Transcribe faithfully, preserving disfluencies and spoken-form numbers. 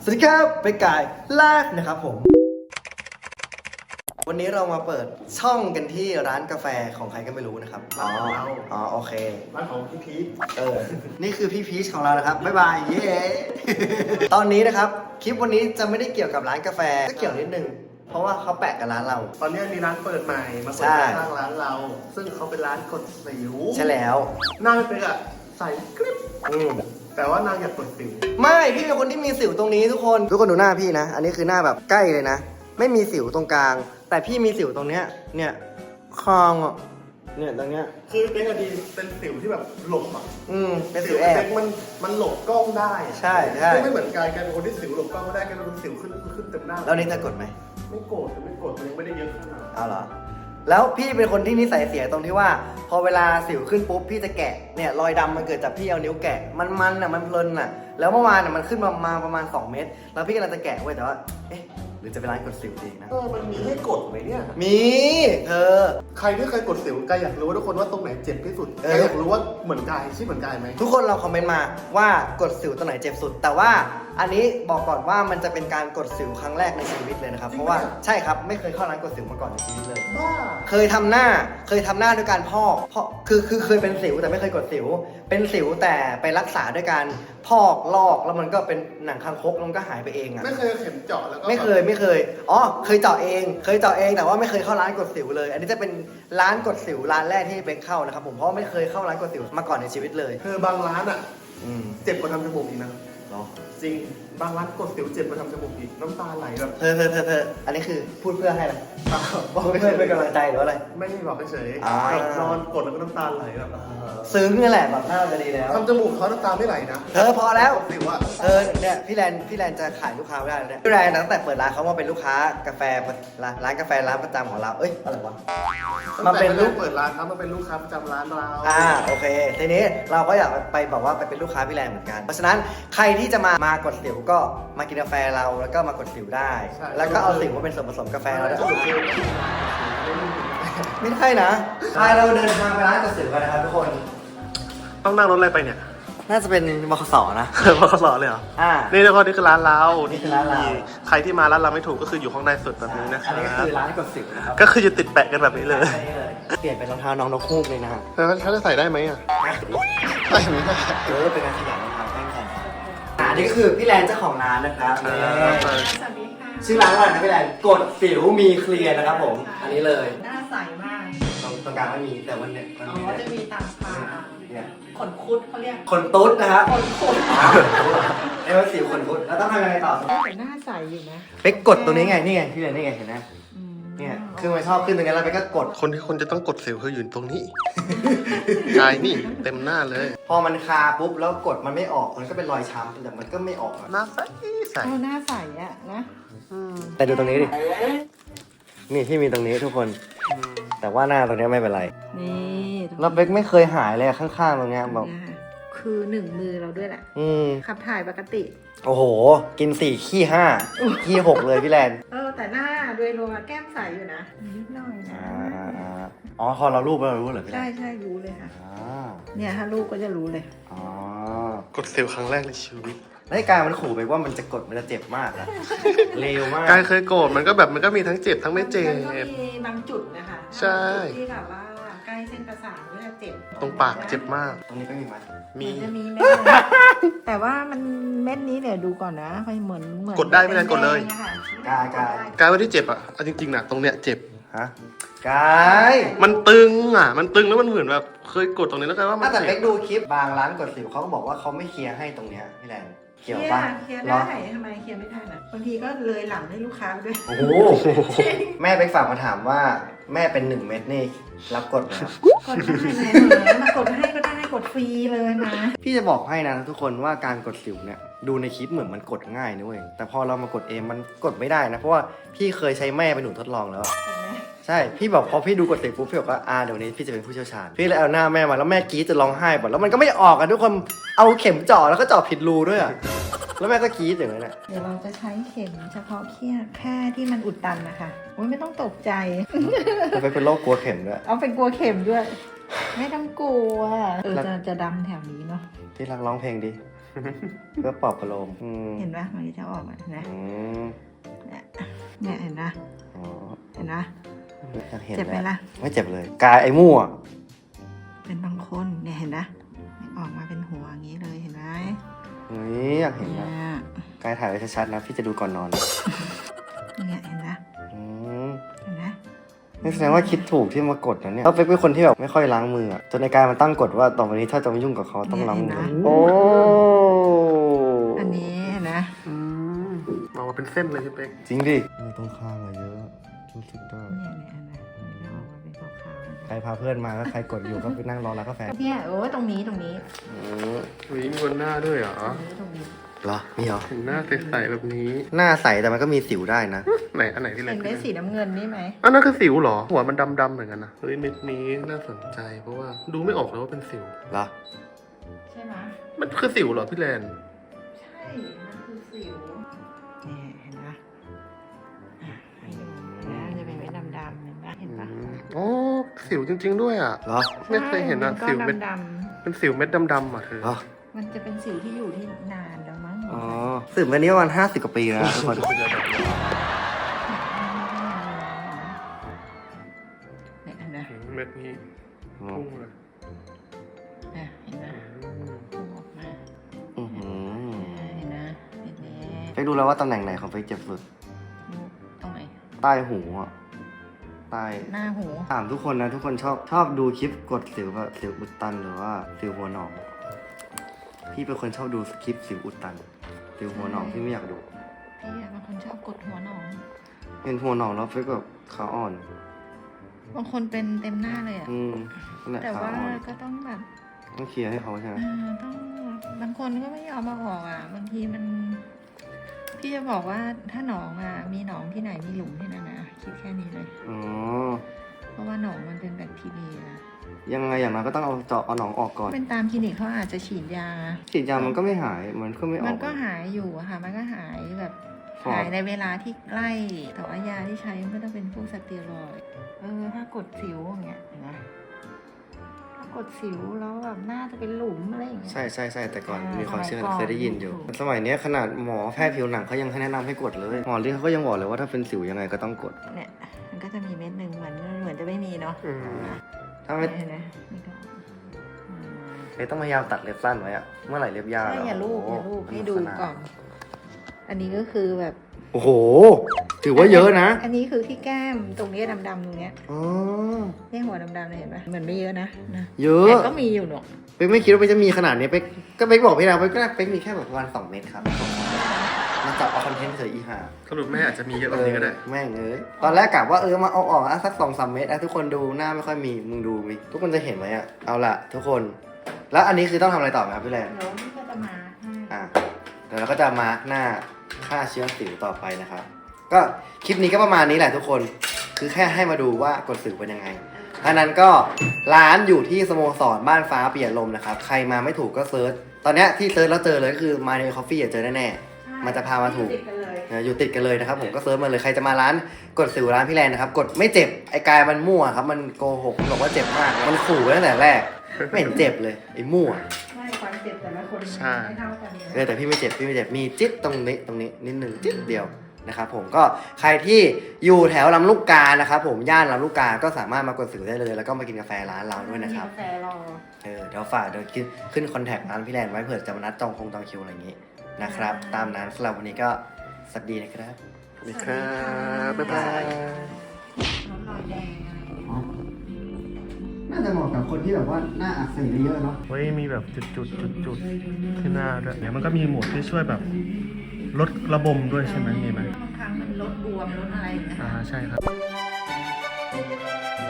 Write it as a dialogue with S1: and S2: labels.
S1: สวัสดีครับเป็นกายลากนะครับผมวันนี้เรามาเปิดช่องกันที่ร้านกาแฟของใครก็ไม่รู้นะครับอ๋ออ๋อโอเค
S2: ร้านของพี่พีช
S1: เออนี่คือพี่พีชของเรานะครับบ๊ายบายเย้ ตอนนี้นะครับคลิปวันนี้จะไม่ได้เกี่ยวกับร้านกาแฟก็เกี่ยวนิดนึงเพราะว่าเขาแปะกับร้านเรา
S2: ตอนนี้มีร้านเปิดใหม่มาเปิดข้างร้านเราซึ่งเขาเป็นร้านกดสิว
S1: ใช่แล้ว
S2: หน้าไม่เป็นอะใส่กริบ
S1: อืม
S2: แต่ว่านางอยากกดสิว
S1: ไม่พี่เป็นคนที่มีสิวตรงนี้ทุกคนทุกคนดูหน้าพี่นะอันนี้คือหน้าแบบใกล้เลยนะไม่มีสิวตรงกลางแต่พี่มีสิวตรงเนี้ยเนี่ยคางอ่ะเนี่ยตรงเนี้ย
S2: คือเป็นอดีเป็นสิวที่แบบหลบอ่ะ
S1: อืมเป็นสิวแอบ
S2: มันมันหลบกล้องได้
S1: ใช่ใช่
S2: ไม่เหมือนกายกายเป็นคนที่สิวหลบกล้องไม่ได้กายเป็นสิวขึ้นขึ้นเต็มหน้า
S1: แล้วนี่จะกดไหม
S2: ไม่กดไม่กดมันยังไม่ได้เยอะขนาด
S1: เอาเหรอแล้วพี่เป็นคนที่นิสัยเสียตรงที่ว่าพอเวลาสิวขึ้นปุ๊บพี่จะแกะเนี่ยรอยดำมันเกิดจากพี่เอานิ้วแกะมันมันอ่ะมันเพลินอ่ะแล้วเมื่อวานอ่ะมันขึ้นมามาประมาณสองเมตรแล้วพี่กำลังจะแกะไว้แต่ว่าเอ๊ะหรือจะไปร้านกดสิวดีนะ
S2: เออมันมีให้กดไหมเนี่ย
S1: มีเธอ
S2: ใครที่เคยกดสิวกายอยากรู้ว่าทุกคนว่าตรงไหนเจ็บที่สุดกายอยากรู้ว่าเหมือนกายใช่เหมือนกายไหม
S1: ทุกคนเราคอมเมนต์มาว่ากดสิวตรงไหนเจ็บสุดแต่ว่าอันนี้บอกก่อนว่ามันจะเป็นการกดสิวครั้งแรกในชีวิตเลยนะครับเพราะว่าใช่ครับไม่เคยเข้าร้านกดสิวมาก่อนในชีวิตเลย
S2: บ้า
S1: เคยทำหน้าเคยทำหน้าด้วยการพอกพอกคือคือเคยเป็นสิวแต่ไม่เคยกดสิวเป็นสิวแต่ไปรักษาด้วยการพอกลอกแล้วมันก็เป็นหนังคางคกแล้วมันก็หายไปเองอ่ะ
S2: ไม่เคยเข็มเจาะแล้วก็
S1: ไม่เคยไม่เคยอ๋อเคยเจาะเองเคยเจาะเองแต่ว่าไม่เคยเข้าร้านกดสิวเลยอันนี้จะเป็นร้านกดสิวร้านแรกที่เป็นเข้านะครับผมเพราะไม่เคยเข้าร้านกดสิวมาก่อนในชีวิตเลย
S2: คือบางร้านอ่ะ
S1: อืม
S2: เจ็บกว่าทำจมูกอีกนะ
S1: หรอ
S2: จริงบางร้านกดสิวเจ็บกว่าทำจมูกอีกน้ำตาไหลแบบ
S1: เธอเธอเธอเธออันนี้คือพูดเพื่อให้อะไรพูดเพื่อเป็นกำลังใจหรืออะไร
S2: ไม่บอกเฉยๆนอนกดแล้วก็น้ำตาไหลแบบ
S1: ซึ้งนี่แหละแบบน่าจะดีแล้ว
S2: ทำจมูกเขาน้ำตาไม่ไหลนะ
S1: เธอพอแล้ว
S2: สิวอ่ะ
S1: เออเนี่ยพี่แลนพี่แลนจะขายลูกค้าไม่ได้เลยเนี่ยพี่แลนตั้งแต่เปิดร้านเขามาเป็นลูกค้ากาแฟร้านกาแฟร้านประจำของเราเอ้ยอะไรวะ
S2: มาเป็นลูกเปิดร้านครับมาเป็นลูกค้าประจำร้านเรา
S1: อ่าโอเคทีนี้เราก็อยากไปบอกว่าไปเป็นลูกค้าพี่แลนเหมือนกันเพราะฉะนั้นใครที่จะมามากดสิวก็มากินกาแฟเราแล้วก็มากดสิวได้แล้วก็เอาสิวมาเป็นส่วนผสมกาแฟเราได้ไม่ใช่นะใครเราเดินทางไปร้านกดสิวกันนะครับทุกคน
S2: ต้องนั่งรถอะไรไปเนี่ย
S1: น่าจะเป็นบขสนะ
S2: บขสเลยเหรอ
S1: อ่า
S2: นี่ทุกคนนี่คือร้านเรา
S1: นี่คือร้านเรา
S2: ใครที่มาร้านเราไม่ถูกก็คืออยู่ข้างในสุดแบบนี้นะครับ
S1: อันนี้ก็คือร้านกดสิวนะครับ
S2: ก็คือจะติดแปะกันแบบนี้เลย
S1: เปลี่ยนเป็นรองเท้าน้องนกฮูกเลยนะฮะ
S2: แล้วเขาจะใส่ได้ไหมอ่ะได้ไหม
S1: เออเป็นการขยับรองเท้าแข่งกันอ่านี่คือพี่แลนเจ้าของร้านนะครับ
S3: สวัสดีค่ะ
S1: ชื่อร้านว่าอะไรนะพี่แลนกดสิวมีเคลียร์นะครับผมอันนี้เลย
S3: หน้าใสมาก
S1: ตรงตรงกลางไม่มีแต่วันเนี้ยมัน
S3: อ๋อจะมีตาปลา
S1: เนี่ย
S3: ขนคุดเขาเรียก
S1: ขนตุ๊ดนะครับ
S3: ขนคุด
S1: ไอ้ว่าสิวขนตุ๊ดแล้วต้องทำยังไงต่อ
S3: แต่หน้าใสอยู่นะ
S1: ไปกดตรงนี้ไงนี่ไงพี่แลนนี่ไงเห็นไหมเนี่ยคือมันชอบขึ้นตรงนี้แล้วไปก็กด
S2: คนที่คนจะต้องกดสิวคืออยู่ตรงนี้กายนี่เต็มหน้าเลย
S1: พอมันคาปุ๊บแล้วกดมันไม่ออกมันก็เป็นรอยช้ำแต่มันก็ไม่ออก
S2: หน้าใสใส
S3: หน้าใสอ่ะนะ
S1: แต่ดูตรงนี้ดินี่ที่มีตรงนี้ทุกคนแต่ว่าหน้าตรงนี้ไม่เป็นไร
S3: นี่
S1: แล้วเบคไม่เคยหายเลยข้างๆตรงนี้แบบ
S3: คือหนึ่งมือเราด้วยแหละ
S1: อืม
S3: ขับถ่ายปกติ
S1: โอ้โหกินสี่ขี้ห้าขี้หกเลยพี่แลน
S3: เออแต่หน้าโดยรวมแก้มใสอยู่นะนิดหน่อยนะ
S1: อ๋อพอเรารูปแล้วเรารู้เหรอพี่แลน
S3: ใช่ใช่รู้เลยค่ะเนี่ยถ้ารูปก็จะรู้เลย
S1: อ๋อก
S2: ดสิวครั้งแรกในชีวิต
S1: แล้วกายมันขู่ไปว่ามันจะกดมันจะเจ็บมากอะเร็วมาก
S2: กายเคยโกรธมันก็แบบมันก็มีทั้งเจ็บทั้งไม่เจ็บ
S3: มันก็มีบางจุดนะคะ
S2: ใช่
S3: ที่แบบว่าใกล้เส้นประสาทก็จะเจ็บ
S2: ตรงปากเจ็บมาก
S1: ตรงนี้ก็มีไหม
S3: มีจะมีเม็ดแต่ว่ามันเม็ดนี้เนี่ยดูก่อนนะไปเหมือนเหมือน
S2: กดได้ไม่ได้กดเลย
S1: กายกาย
S2: กายว่าที่เจ็บอ่ะจริงๆนะตรงเนี้ยเจ็บ
S1: ฮะกาย
S2: มันตึงอ่ะมันตึงแล้วมันเหมือนแบบเคยกดตรงนี้แล้วกันว่ามัน
S1: แต่เป๊กดูคลิปบางร้านกดสิวเขาก็บอกว่าเขาไม่เคลียร์ให้ตรงเนี้ยพี่แลน
S3: เคลียร์เคลียร์ได้ทำไมเคลียร์ไม่ได้นะบางทีก็เลยหลังให้ลูกค้าด้วย
S1: โอ้โหแม่ไปฝากมาถามว่าแม่เป็นหนึ่งเม็ดนี่รับกดไหม
S3: กดได้เลยมากดให้ก็ได้กดฟรีเลยนะ
S1: พี่จะบอกให้นะทุกคนว่าการกดสิวเนี่ยดูในคลิปเหมือนมันกดง่ายนะเว้ยแต่พอเรามากดเองมันกดไม่ได้นะเพราะว่าพี่เคยใช้แม่เป็นหนูทดลองแล้วใช่พี่บอกพอพี่ดูกดสิวปุ๊บพี่บอกว่าอ่าเดี๋ยวนี้พี่จะเป็นผู้เชี่ยวชาญพี่เลยเอาหน้าแม่มาแล้วแม่กรี๊ดจะร้องไห้หมดแล้วมันก็ไม่ออกอ่ะทุกคนเอาเข็มเจาะแล้วก็เจาะผิดรูด้วยอ่ะแล้วแม่ก็กรี๊ดอย่างนั้นแหละ
S3: เดี๋ยวเราจะใช้เข็มเฉพาะแค่แค่ที่มันอุดตันนะคะโอ้ยไม่ต้องตกใจ
S1: เราไปเป็นโรคกลัวเข็มด้วย
S3: เอาเป็นกลัวเข็มด้วยไม่ต้องกลัวเออจะจะดำแถวนี้เนาะ
S1: ที่รักร้องเพลงดิเพื่อปลอบประโลมอืม
S3: เห็นปะมันจะออกมานะ
S1: อืม
S3: เนี่ยเนี่ยเห็นนะ
S1: อ๋อ
S3: เห็นนะ
S1: อยากเห็น
S3: เจ็บไหมล่ะ
S1: ไม่เจ็บเลย กายไอ้มั่ว
S3: เป็นบางคนเนี่ยเห็นนะออกมาเป็นหัวอย่างนี้เลยเห็นไหม
S1: เฮ้ยอยากเห็น
S3: เนี่
S1: นะ
S3: ย
S1: กายถ่ายไว้ชัดๆนะพี่จะดูก่อนนอน
S3: เนี่ยเห็นนะ
S1: อืม
S3: เห็นนะ
S1: นี่แสดงว่าคิดถูกที่มากดนะเนี่ยเขาเป็นคนที่แบบไม่ค่อยล้างมืออะจนในกายมันตั้งกฎว่าต่อไปนี้ถ้าจะมายุ่งกับเขาต้องล้างมือโอ้
S3: อันนี้เห็นนะ
S2: อืมออกมาเป็นเส้นเลยพี่เป๊ก
S1: จริงดิมือตรงข้างอะเยอะรู้สึกได้
S3: เนี่ยเนี่ยเห็นนะมันจะออกมาเป็นขาวๆ
S1: ใครพาเพื่อนมาก็ใครกดอยู่ก็ไปนั่งรอแล้วกาแฟ
S3: เนี่ยโอ้ตรงนี้ตรงนี้
S1: อืม
S2: อุ้ยมีบนหน้าด้วยเหรอ
S3: ตรงนี้ตรงนี้
S1: เหรอมีเหรอ
S2: เห็นหน้าใสๆแบบนี้
S1: หน้าใสแต่มันก็มีสิวได้นะ
S2: ไหนอันไหนที่เล็
S3: เห็
S2: ก
S3: นเม็ดสีน้ำเงินนี่ไหม
S2: อันนั้นคือสิวเหรอ หัวมันดำๆเหมือนกันนะ เฮ้ยเม็ดนี้น่าสนใจ เพราะว่าดูไม่ออกเลยว่าเป็นสิว
S1: เหรอ
S3: ใช่ไหม
S2: มันคือสิวเหรอพี่แลน
S3: ใช่ มันคือสิวนี่เห็นปะอ่ะให้ดูนะมันจะเป็นเม็ดดำๆเห็นปะเห็นปะ
S2: โอ้สิวจริง ๆ ด้วยอ่ะ
S1: เหรอ
S2: ไม่เคยเห็นอ่ะ
S3: ใช่
S2: สิวเม็ด
S3: ก้อนด
S2: เป็นสิวเม็ดดำๆอ่ะเธอ
S1: เหรอ
S3: ำๆมันจะเป็นสิวที่อยู่ที่นานแล้วมั้ง
S1: อ๋อสืบมานี้ประมาณห้าสิบกว่าปีแล้วนะทุกคน
S3: เนี่ยเห็นไหม
S2: เม็ดนี้พุ่งเลย
S3: เนี่ยเห็นไหมพุ่งออกมา
S1: อื้อหือ
S3: เห็นนะเห็นไหม
S1: ไปดูแล้วว่าตำแหน่งไหนของไปเจ็บสุด
S3: ดูตรงไหน
S1: ใต้หูอ่ะ ใต้
S3: หน้าหู
S1: ถามทุกคนนะ ทุกคนชอบชอบดูคลิปกดสิวแบบสิวอุดตันหรือว่าสิวหัวหนอง พี่เป็นคนชอบดูคลิปสิวอุดตัน สิวหัวหนองพี่ไม่อยากดู
S3: พี่อะบางคนชอบกดหัวหนอง
S1: เห็นหัวหนองแล้วเฟกแบบขาอ่อน
S3: บางคนเป็นเต็มหน้าเลยอะ
S1: อืมนั่นแหละ
S3: แต่
S1: ขา
S3: ว่า
S1: อ่อน
S3: ก็ต้องแบบ
S1: ต้องเคลียร์ให้เขาใช่ไหม
S3: อ่าต้องบางคนก็ไม่ยอมมาออกอ่ะ บางทีมัน พี่จะบอกว่าถ้าหนองอ่ะ มีหนองที่ไหนมีหลุมที่นั่นนะคิดแค่นี้เลย
S1: อ๋อ
S3: เพราะว่าหนองมันเป็นแบคทีเรีย
S1: ยังไงอย่างนั้นก็ต้องเอาเจาะเอาหนองออกก่อน
S3: เป็นตามคลินิกเขาอาจจะฉีดยา
S1: ฉีดยามันก็ไม่หาย มันก็ไม่ออก
S3: มันก็หายอยู่อะค่ะ มันก็หายแบบ
S1: ครับ
S3: หายในเวลาที่ใกล้ แต่ว่ายาที่ใช้มันก็ต้องเป็นพวกสเตียรอยด์เออ ถ้ากดสิวอย่างเงี้ยเห็นไหมถ้ากดสิวแล้วแบบหน้าจะเป็นหลุมอะไรอย่างเงี้ย
S1: ใช่ใช่ใช่แต่ก่อน
S3: อ่ามี
S1: มีความเชื่อ
S3: สมัยก่อน
S1: เคยได้ยินอยู่
S3: ถูก
S1: สมัยเนี้ยขนาดหมอแพทย์ผิวหนังเขายังให้แนะนำให้กดเลย หมอเรียกเขาก็ยังบอกเลยว่าถ้าเป็นสิวยังไงก็ต้องกด
S3: เนี่ย มันก็จะมีเม็ดหนึ่งเหมือนเหมือนจะไม่มีเนาะ
S2: อืม
S1: ถ้าไม่
S3: เห็นไหมนี่ก็อืม
S1: ไม่ต้องพยายามตัดเล็บสั้นไว้อะเมื่อไหร่เล็บยาว
S3: ใช่อย่าลูกอย่าลูกให้ดูก่อน อันนี้ก็คือแบบ
S1: โอ้โห ถือว่าเยอะนะ
S3: อันนี้คือที่แก้มตรงนี้ดำๆตรงเนี้ย
S1: อ๋อ
S3: นี่หัวดำๆเลยเห็นไหมเหมือนไม่เยอะนะนะ
S1: เยอะ
S3: แต่ก็มีอยู่เนอะ
S1: เป๊กไม่คิดว่าเป๊กจะมีขนาดนี้เป๊กก็เป๊กบอกพี่แล้วเป๊กก็เป๊กมีแค่แบบประมาณสองเมตรครับมันจับเอาคอนเทนต์เฉยอีห่า
S2: สรุปแม่อาจจะมีเยอะกว่านี้ก็ได้
S1: เออแม่งเอ้ยตอนแรกกะว่าเออมาเอาออกอ่ะสักสองสามเมตรอ่ะทุกคนดูหน้าไม่ค่อยมีมึงดูมิทุกคนจะเห็นไหมอ่ะเอาละทุกคน แล้วอันนี้คือต้องทำอะไรต่อไหมครับพี่แลน
S3: เดี๋ยวนี่ก็จะมาให้
S1: อ่ะเดี๋ยวเราก็จะมาร์กหน้าฆ่าเชื้อสิวต่อไปนะครับ ก็คลิปนี้ก็ประมาณนี้แหละทุกคน คือแค่ให้มาดูว่ากดสิวเป็นยังไงอันนั้นก็ร้านอยู่ที่สโมสรบ้านฟ้าเปลี่ยนลมนะครับ ใครมาไม่ถูกก็เซิร์ช ตอนเนี้ยที่เซิร์ชแล้วเจอเลยก็คือมาในคอฟฟี่เจอแน่ๆ มันจะพามาถูก
S3: ติดกันเลย
S1: เอออยู่ติดกันเลยนะครับผมก็เซิร์ชมาเลยใครจะมาร้านกดสิวร้านพี่แลนนะครับ กดไม่เจ็บไอ้กายมันมั่วครับ มันโกหกมันบอกว่าเจ็บมาก มันขู่ไว้ตั้งแต่แรก ไม่เห็นเจ็บเลยไอ้มั่ว
S3: ไม่ความเจ็บแต่ละคน
S2: ใช่
S3: ไม่เท่ากัน
S1: เออแต่พี่ไม่เจ็บพี่ไม่เจ็บมีจิ๊ดตรงนี้ตรงนี้นิดหนึ่งจิ๊ดเดียวนะครับผมก็ใครที่อยู่แถวลำลูกกานะครับผมย่านลำลูกกาก็สามารถมากดสิวได้เลย แล้วก็มากินกาแฟร้านเราด้วยนะครับ
S3: มีกาแฟรอ
S1: เออเดี๋ยวฝากเดี๋ยวขึ้นขึ้นคอนแทคร้านพี่แลนไว้เผื่อจะมานัดจองคงจองคิวอะไรอย่างงี้นะครับ ตามนั้นสำหรับวันนี้ก็สวัสดีนะครับ
S2: สวัสดีครับ บ๊ายบาย
S3: น้ำลายแดง
S1: น่าจะเหมาะกับคนที่แบบว่าหน้าอักเสบเยอะเนาะ
S2: เฮ้ยมีแบบจุดจุดจุดจุดๆที่หน้าด้วยเนี่ยมันก็มีโหมดที่ช่วยแบบลดระบมด้วยใช่ไหมมีไหม
S3: บางครั้งมันลดบวมลดอะไรอย่างเงี้ย
S2: อ่าใช่ครับ